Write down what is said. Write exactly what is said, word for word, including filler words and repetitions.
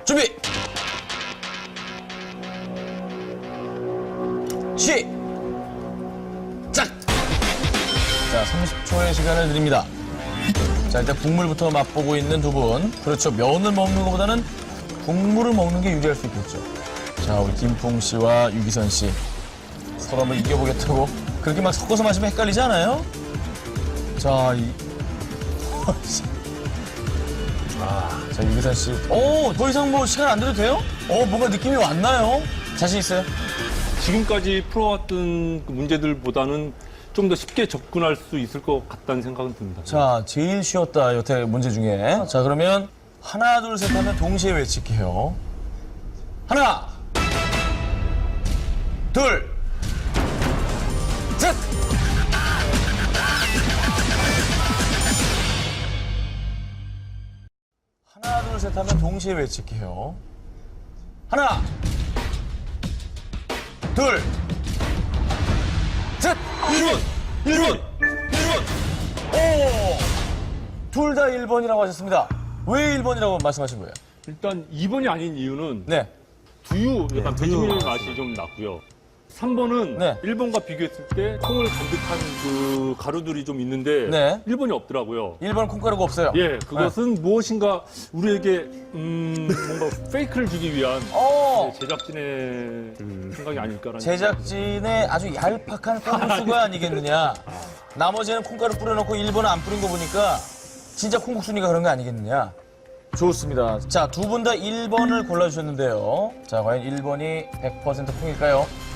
준비! 시! 작! 자, 삼십 초의 시간을 드립니다. 자, 일단 국물부터 맛보고 있는 두 분. 그렇죠. 면을 먹는 것보다는 국물을 먹는 게 유리할 수 있겠죠. 자, 우리 김풍 씨와 유기선 씨. 서로 한번 이겨보겠다고. 그렇게 막 섞어서 마시면 헷갈리지 않아요? 자, 이. 아, 자, 유기선 씨. 오, 더 이상 뭐 시간 안 돼도 돼요? 어, 뭔가 느낌이 왔나요? 자신 있어요? 지금까지 풀어왔던 그 문제들보다는 좀 더 쉽게 접근할 수 있을 것 같다는 생각은 듭니다. 자, 제일 쉬웠다, 여태 문제 중에. 자, 그러면 하나, 둘, 셋 하면 동시에 외칠게요. 하나, 둘, 셋! 하나, 둘, 셋 하면 동시에 외칠게요. 하나, 둘, 셋! 일 번! 일 번! 일 번! 오! 둘 다 일 번이라고 하셨습니다. 왜 일 번이라고 말씀하신 거예요? 일단 이 번이 아닌 이유는 네. 두유, 약간 네, 두유 배지밀 맛이죠. 맛이 좀 났고요. 삼 번은 네. 일 번과 비교했을 때 콩을 간득한 그 가루들이 좀 있는데 네. 일 번이 없더라고요. 일 번 콩가루가 없어요. 예, 그것은 무엇인가 우리에게 음, 뭔가 페이크를 주기 위한 어! 제작진의 생각이 아닐까라는 제작진의 아주 얄팍한 콩국수가 아니겠느냐. 나머지는 콩가루 뿌려놓고 일 번은 안 뿌린 거 보니까 진짜 콩국수니까 그런 거 아니겠느냐. 좋습니다. 자, 두 분 다 일 번을 골라주셨는데요. 자, 과연 일 번이 백 퍼센트 콩일까요?